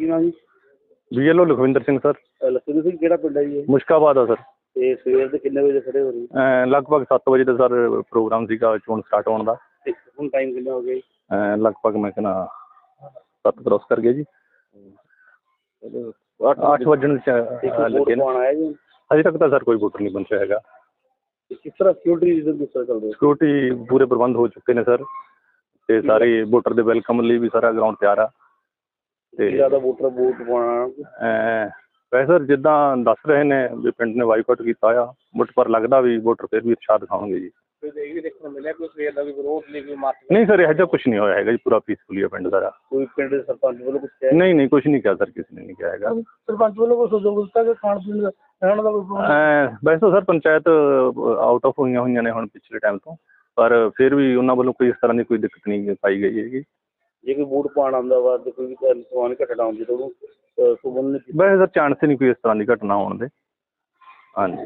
ਕੀ ਨਾਮ ਜੀ? BLO Lakhwinder Singh sir. Lakhwinder Singh ਕਿਹੜਾ ਪਿੰਡ ਹੈ ਜੀ? ਮੁਸ਼ਕਾਬਾਦ ਆ ਸਰ। ਤੇ ਸਵੇਰ ਦੇ ਕਿੰਨੇ ਵਜੇ ਖੜੇ ਹੋ ਰਹੇ? ਲਗਭਗ 7 ਵਜੇ ਦਾ ਸਰ ਪ੍ਰੋਗਰਾਮ ਸੀਗਾ ਚੋਣ ਸਟਾਰਟ ਹੋਣ ਦਾ। ਤੇ ਹੁਣ ਟਾਈਮ ਕਿੰਨਾ ਹੋ ਗਿਆ ਜੀ? ਲਗਭਗ ਮੈਂ ਕਹਿੰਦਾ 7 ਕ੍ਰੋਸ ਕਰ ਗਿਆ ਜੀ। 8 ਵੱਜਣ ਲੱਗੇ ਨੇ। ਆਇਆ ਜੀ ਅਜੇ ਤੱਕ ਤਾਂ ਸਰ ਕੋਈ ਵੋਟਰ ਨਹੀਂ ਪਹੁੰਚਿਆ ਹੈਗਾ। ਕਿਸ ਤਰ੍ਹਾਂ ਸਿਕਿਉਰਿਟੀ ਰੀਜ਼ਨ ਕਿਸ ਤਰ੍ਹਾਂ ਚੱਲਦੇ? ਸਿਕਿਉਰਿਟੀ ਪੂਰੇ ਪ੍ਰਬੰਧ ਹੋ ਚੁੱਕੇ ਨੇ ਸਰ, ਤੇ ਸਾਰੇ ਵੋਟਰ ਦੇ ਵੈਲਕਮ ਲਈ ਵੀ ਸਾਰਾ ਗਰਾਊਂਡ ਤਿਆਰ ਆ। ਤੇ ਜ਼ਿਆਦਾ ਵੋਟਰ ਵੋਟ ਪਾਉਣਾ ਵੈਸੇ ਸਰ ਜਿੱਦਾਂ ਦੱਸ ਰਹੇ ਨੇ ਵੀ ਪਿੰਡ ਨੇ ਬਾਈਕਾਟ ਕੀਤਾ ਆ, ਬਟ ਪਰ ਲੱਗਦਾ ਵੀ ਵੋਟਰ ਫਿਰ ਵੀ ਉਤਸ਼ਾਹ ਦਿਖਾਉਣਗੇ ਜੀ। ਇਹ ਵੀ ਦੇਖਣ ਨੂੰ ਮਿਲਿਆ ਕੋਈ ਸਵੇਰ ਦਾ ਵੀ ਵਿਰੋਧ ਨਹੀਂ, ਕੋਈ ਮਾਰਚ ਨਹੀਂ ਸਰ ਇਹੋ ਜਿਹਾ ਕੁਛ ਨਹੀਂ ਹੋਇਆ ਹੈਗਾ ਜੀ, ਪੂਰਾ ਪੀਸਫੁਲੀ ਆ ਪਿੰਡ ਸਾਰਾ। ਕੋਈ ਪਿੰਡ ਦੇ ਸਰਪੰਚ ਵੱਲੋਂ ਕੁਛ ਕਿਹਾ? ਨਹੀਂ ਕੁਛ ਨਹੀਂ ਕਿਹਾ ਸਰ, ਕਿਸੇ ਨੇ ਨਹੀਂ ਕਿਹਾ ਹੈਗਾ। ਸਰਪੰਚ ਵੱਲੋਂ ਕੋਈ ਸਹਿਯੋਗ ਦਿੱਤਾ ਕਿ ਖਾਣ ਪੀਣ ਦਾ ਰਹਿਣ ਦਾ ਕੋਈ? ਵੈਸੇ ਤਾਂ ਸਰ ਪੰਚਾਇਤ ਆਊਟ ਆਫ ਹੋਈਆਂ ਨੇ ਹੁਣ ਪਿਛਲੇ ਟਾਈਮ ਤੋਂ, ਪਰ ਫਿਰ ਵੀ ਉਹਨਾਂ ਵੱਲੋਂ ਕੋਈ ਇਸ ਤਰ੍ਹਾਂ ਦੀ ਕੋਈ ਦਿੱਕਤ ਨਹੀਂ ਪਾਈ ਗਈ ਹੈਗੀ। ਜੇ ਕੋਈ ਵੋਟ ਪਾਉਣ ਆਉਂਦਾ ਵਾ ਤੇ ਕੋਈ ਸਮਾਨ ਘਟਨਾ ਆਉਂਦੀ ਤਾਂ ਉਹਨੂੰ ਵੈਸੇ ਸਰ ਚਾਂਸ ਹੀ ਨਹੀਂ ਕੋਈ ਇਸ ਤਰ੍ਹਾਂ ਦੀ ਘਟਨਾ ਹੋਣ ਦੇ। ਹਾਂਜੀ।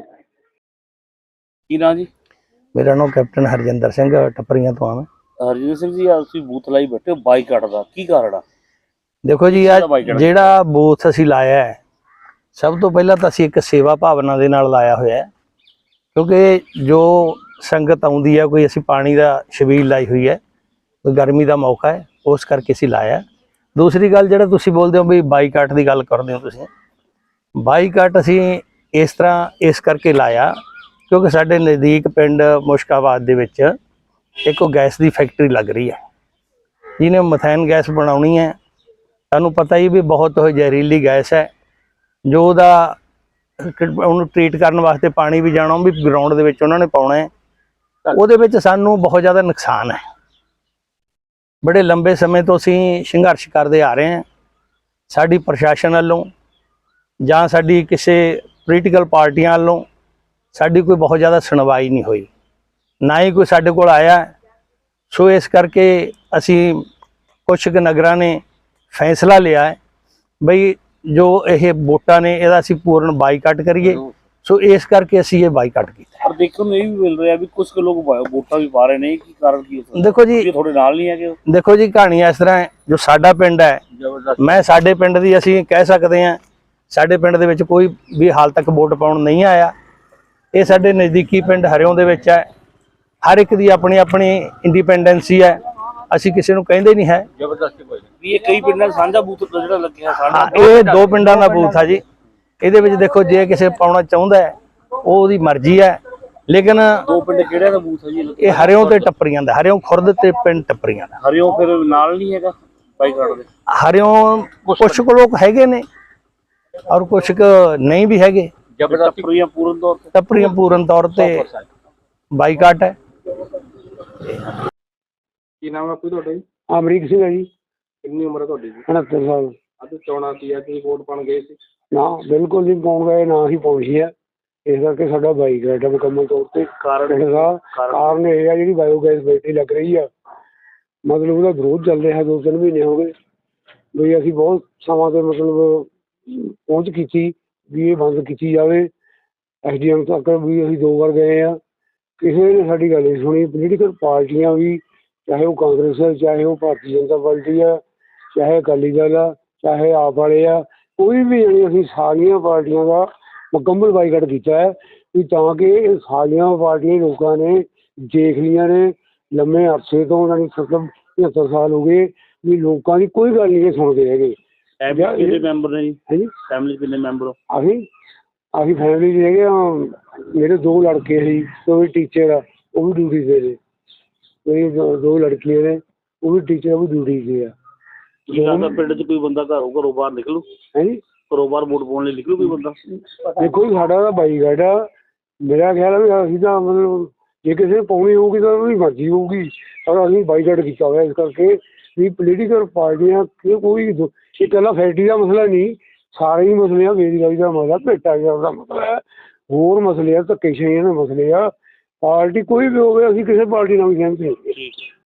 ਕੀ ਨਾਂ ਜੀ? ਮੇਰਾ ਨਾਮ ਕੈਪਟਨ ਹਰਜਿੰਦਰ ਸਿੰਘ ਟੱਪਰੀਆਂ ਤੋਂ ਆ ਮੈਂ। ਹਰਜਿੰਦਰ ਸਿੰਘ ਜੀ, ਤੁਸੀਂ ਬੂਥ ਲਾਈ ਬੈਠੇ ਹੋ, ਬਾਈਕਾਟ ਦਾ ਕੀ ਕਾਰਨ ਆ? ਦੇਖੋ ਜੀ ਆ ਜਿਹੜਾ ਬੂਥ ਅਸੀਂ ਲਾਇਆ ਹੈ, ਸਭ ਤੋਂ ਪਹਿਲਾਂ ਤਾਂ ਅਸੀਂ ਇੱਕ ਸੇਵਾ ਭਾਵਨਾ ਦੇ ਨਾਲ ਲਾਇਆ ਹੋਇਆ ਹੈ, ਕਿਉਂਕਿ ਜੋ ਸੰਗਤ ਆਉਂਦੀ ਹੈ, ਕੋਈ ਅਸੀਂ ਪਾਣੀ ਦਾ ਛਬੀਲ ਲਾਈ ਹੋਈ ਹੈ, ਕੋਈ ਗਰਮੀ ਦਾ ਮੌਕਾ ਹੈ, ਉਸ ਕਰਕੇ ਅਸੀਂ ਲਾਇਆ। ਦੂਸਰੀ ਗੱਲ ਜਿਹੜਾ ਤੁਸੀਂ ਬੋਲਦੇ ਹੋ ਵੀ ਬਾਈਕਾਟ ਦੀ ਗੱਲ ਕਰਦੇ ਹੋ, ਤੁਸੀਂ ਬਾਈਕਾਟ ਅਸੀਂ ਇਸ ਕਰਕੇ ਲਾਇਆ ਕਿਉਂਕਿ ਸਾਡੇ ਨਜ਼ਦੀਕ ਪਿੰਡ ਮੁਸ਼ਕਾਬਾਦ ਦੇ ਵਿੱਚ ਇੱਕ ਗੈਸ ਦੀ ਫੈਕਟਰੀ ਲੱਗ ਰਹੀ ਹੈ, ਜਿਹਨੇ ਮਥੈਨ ਗੈਸ ਬਣਾਉਣੀ ਹੈ। ਸਾਨੂੰ ਪਤਾ ਹੀ ਵੀ ਬਹੁਤ ਉਹ ਜ਼ਹਿਰੀਲੀ ਗੈਸ ਹੈ, ਜੋ ਉਹਨੂੰ ਟ੍ਰੀਟ ਕਰਨ ਵਾਸਤੇ ਪਾਣੀ ਵੀ ਜਾਣਾ, ਉਹ ਵੀ ਗਰਾਊਂਡ ਦੇ ਵਿੱਚ ਉਹਨਾਂ ਨੇ ਪਾਉਣਾ ਹੈ। ਉਹਦੇ ਵਿੱਚ ਸਾਨੂੰ ਬਹੁਤ ਜ਼ਿਆਦਾ ਨੁਕਸਾਨ ਹੈ। ਬੜੇ ਲੰਬੇ ਸਮੇਂ ਤੋਂ ਅਸੀਂ ਸੰਘਰਸ਼ ਕਰਦੇ ਆ ਰਹੇ ਹਾਂ। ਸਾਡੀ ਪ੍ਰਸ਼ਾਸਨ ਵੱਲੋਂ ਜਾਂ ਸਾਡੀ ਕਿਸੇ ਪੋਲੀਟੀਕਲ ਪਾਰਟੀਆਂ ਵੱਲੋਂ ਸਾਡੀ ਕੋਈ ਬਹੁਤ ਜ਼ਿਆਦਾ ਸੁਣਵਾਈ ਨਹੀਂ ਹੋਈ, ਨਾ ਹੀ ਕੋਈ ਸਾਡੇ ਕੋਲ ਆਇਆ। ਸੋ ਇਸ ਕਰਕੇ ਅਸੀਂ ਕੁਛ ਕੁ ਨਗਰਾਂ ਨੇ ਫੈਸਲਾ ਲਿਆ ਹੈ ਬਈ ਜੋ ਇਹ ਵੋਟਾਂ ਨੇ ਇਹਦਾ ਅਸੀਂ ਪੂਰਨ ਬਾਈਕਾਟ ਕਰੀਏ। ਸੋ ਇਸ ਕਰਕੇ ਅਸੀਂ ਇਹ ਬਾਈਕਾਟ ਕੀਤਾ। ਪਰ ਦੇਖਣ ਨੂੰ ਇਹ ਵੀ ਮਿਲ ਰਿਹਾ ਵੀ ਕੁਝ ਲੋਕ ਵੋਟਾਂ ਵੀ ਪਾ ਰਹੇ ਨੇ, ਕੀ ਕਾਰਨ ਕੀ ਹੈ? ਦੇਖੋ ਜੀ ਤੁਹਾਡੇ ਨਾਲ ਨਹੀਂ ਹੈਗੇ? ਦੇਖੋ ਜੀ ਕਹਾਣੀ ਇਸ ਤਰ੍ਹਾਂ ਹੈ, ਜੋ ਸਾਡਾ ਪਿੰਡ ਹੈ, ਮੈਂ ਸਾਡੇ ਪਿੰਡ ਦੀ ਅਸੀਂ ਕਹਿ ਸਕਦੇ ਹਾਂ, ਸਾਡੇ ਪਿੰਡ ਦੇ ਵਿੱਚ ਕੋਈ ਵੀ ਹਾਲ ਤੱਕ ਵੋਟ ਪਾਉਣ ਨਹੀਂ ਆਇਆ। ਇਹ ਸਾਡੇ ਨਜ਼ਦੀਕੀ ਪਿੰਡ ਹਰਿਓਂ ਦੇ ਵਿੱਚ ਹੈ, ਹਰ ਇੱਕ ਦੀ ਆਪਣੀ ਆਪਣੀ ਇੰਡੀਪੈਂਡੈਂਸੀ ਹੈ, ਅਸੀਂ ਕਿਸੇ ਨੂੰ ਕਹਿੰਦੇ ਨਹੀਂ ਹੈ। ਜ਼ਬਰਦਸਤੀ ਕੋਈ ਨਹੀਂ, ਇਹ ਕਈ ਪਿੰਡਾਂ ਸਾਂਝਾ ਬੂਥ ਜਿਹੜਾ ਲੱਗਿਆ ਸਾਡਾ, ਇਹ 2 ਪਿੰਡਾਂ ਦਾ ਬੂਥ ਆ ਜੀ। ਇਹਦੇ ਵਿੱਚ ਦੇਖੋ ਜੇ ਕਿਸੇ ਪਾਉਣਾ ਚਾਹੁੰਦਾ ਹੈ ਉਹਦੀ ਮਰਜ਼ੀ ਹੈ, ਲੇਕਿਨ 2 ਪਿੰਡ ਕਿਹੜੇ ਦਾ ਬੂਥ ਹੈ ਜੀ? ਇਹ ਹਰਿਓਂ ਤੇ ਟੱਪਰੀਆਂ ਦਾ, ਹਰਿਓਂ ਖੁਰਦ ਤੇ ਪਿੰਡ ਟੱਪਰੀਆਂ ਦਾ। ਹਰਿਓਂ ਫਿਰ ਨਾਲ ਨਹੀਂ ਹੈਗਾ ਬਾਈਕਾਟ ਦੇ? ਹਰਿਓਂ ਕੁਛ ਕੁ ਲੋਕ ਹੈਗੇ ਨੇ ਔਰ ਕੁਛ ਕੁ ਨਹੀਂ ਵੀ ਹੈਗੇ। ਟੱਪਰੀਆਂ ਪੂਰਨ ਤੌਰ ਤੇ? ਟੱਪਰੀਆਂ ਪੂਰਨ ਤੌਰ ਤੇ ਬਾਈਕਾਟ ਹੈ। ਕੀ ਨਾਮ ਹੈ ਤੁਹਾਡਾ ਜੀ? ਅਮਰੀਕ ਸਿੰਘ ਹੈ ਜੀ। ਕਿੰਨੀ ਉਮਰ ਹੈ ਤੁਹਾਡੀ ਜੀ? 69 ਸਾਲ। ਅੱਜ ਚੋਣਾਂ ਸੀ, ਤੁਸੀਂ ਵੋਟ ਪਾਉਣ ਗਏ ਸੀ? ਨਾ ਬਿਲਕੁਲ ਨਹੀਂ ਪਾਉਣ ਗਏ, ਨਾ ਹੀ ਪਹੁੰਚੀ ਹੈ। ਇਸ ਕਰਕੇ ਸਾਡਾ ਬਾਈਕਾਟ ਹੈ ਮੁਕੰਮਲ ਤੌਰ ਤੇ। ਕਾਰਨ ਇਹ ਆ ਜਿਹੜੀ ਬਾਇਓਗੈਸ ਫੈਕਟਰੀ ਲੱਗ ਰਹੀ ਆ, ਮਤਲਬ ਉਹਦਾ ਵਿਰੋਧ ਚੱਲ ਰਿਹਾ 2-3 ਮਹੀਨੇ ਹੋ ਗਏ ਵੀ ਅਸੀਂ ਬਹੁਤ ਸਮਾਂ ਤੇ ਮਤਲਬ ਪਹੁੰਚ ਕੀਤੀ ਵੀ ਇਹ ਬੰਦ ਕੀਤੀ ਜਾਵੇ। SDM ਤੱਕ ਵੀ ਅਸੀਂ 2 ਵਾਰ ਗਏ ਆ, ਕਿਸੇ ਨੇ ਸਾਡੀ ਗੱਲ ਨਹੀਂ ਸੁਣੀ। ਪੋਲੀਟੀਕਲ ਪਾਰਟੀਆਂ ਵੀ, ਚਾਹੇ ਉਹ ਕਾਂਗਰਸ ਹੈ, ਚਾਹੇ ਉਹ ਭਾਰਤੀ ਜਨਤਾ ਪਾਰਟੀ ਆ, ਚਾਹੇ ਅਕਾਲੀ ਦਲ ਆ, ਚਾਹੇ ਆਪ ਵਾਲੇ ਆ, ਕੋਈ ਵੀ ਜਾਣੀ ਅਸੀਂ ਸਾਰੀਆਂ ਪਾਰਟੀਆਂ ਦਾ ਮੁਕੰਮਲ ਬਾਈਕਾਟ ਕੀਤਾ ਹੈ ਵੀ ਤਾਂ ਕਿ ਇਹ ਸਾਰੀਆਂ ਪਾਰਟੀਆਂ ਲੋਕਾਂ ਨੇ ਦੇਖ ਲਈਆਂ ਨੇ ਲੰਮੇ ਅਰਸੇ ਤੋਂ, ਉਹਨਾਂ ਨੂੰ 70-75 ਸਾਲ ਹੋ ਗਏ ਵੀ ਲੋਕਾਂ ਦੀ ਕੋਈ ਗੱਲ ਨਹੀਂ ਸੁਣਦੇ ਹੈਗੇ। ਕਿੰਨੇ ਮੈਂਬਰ ਨੇ ਜੀ? ਹਾਂਜੀ, ਫੈਮਿਲੀ ਕਿੰਨੇ ਮੈਂਬਰ ਹੋ? ਅਸੀਂ ਫੈਮਿਲੀ 'ਚ ਹੈਗੇ ਹਾਂ। ਮੇਰੇ 2 ਲੜਕੇ ਸੀ, ਉਹ ਵੀ ਟੀਚਰ ਆ, ਉਹ ਵੀ ਡਿਊਟੀ 'ਤੇ ਨੇ। ਮੇਰੀ 2 ਲੜਕੀਆਂ ਨੇ, ਉਹ ਵੀ ਟੀਚਰ, ਉਹ ਵੀ ਡਿਊਟੀ 'ਤੇ ਆ। ਪਿੰਡ 'ਚ ਕੋਈ ਬੰਦਾ ਘਰੋਂ ਬਾਹਰ ਨਿਕਲੂ? ਹਾਂਜੀ, ਘਰੋਂ ਬਾਹਰ ਵੋਟ ਪਾਉਣ ਲਈ ਨਿਕਲੂ ਕੋਈ ਬੰਦਾ? ਦੇਖੋ ਜੀ ਸਾਡਾ ਤਾਂ ਬਾਈਕਾਟ ਆ। ਮੇਰਾ ਖਿਆਲ ਆ ਵੀ ਅਸੀਂ ਤਾਂ ਮਤਲਬ ਜੇ ਕਿਸੇ ਨੇ ਪਾਉਣੀ ਹੋਊਗੀ ਤਾਂ ਉਹਦੀ ਮਰਜ਼ੀ ਹੋਊਗੀ, ਪਰ ਅਸੀਂ ਬਾਈਕਾਟ ਕੀਤਾ ਹੋਇਆ ਇਸ ਕਰਕੇ ਵੀ ਪੋਲੀਟੀਕਲ ਪਾਰਟੀਆਂ ਕੋਈ ਇਹ ਇਕੱਲਾ ਫੈਕਟਰੀ ਦਾ ਮਸਲਾ ਨਹੀਂ, ਸਾਰੇ ਹੀ ਮਸਲੇ ਆ। ਬੇਰੁਜ਼ਗਾਰੀ ਦਾ ਮਸਲਾ, ਭ੍ਰਿਸ਼ਟਾਚਾਰ ਦਾ ਮਸਲਾ ਹੈ, ਹੋਰ ਮਸਲੇ ਆ, ਧੱਕੇਸ਼ਾਹੀਆਂ ਦੇ ਮਸਲੇ ਆ। ਪਾਰਟੀ ਕੋਈ ਵੀ ਹੋਵੇ, ਅਸੀਂ ਕਿਸੇ ਪਾਰਟੀ ਨਾਲ ਵੀ ਸਹਿਮਤ ਨਹੀਂ।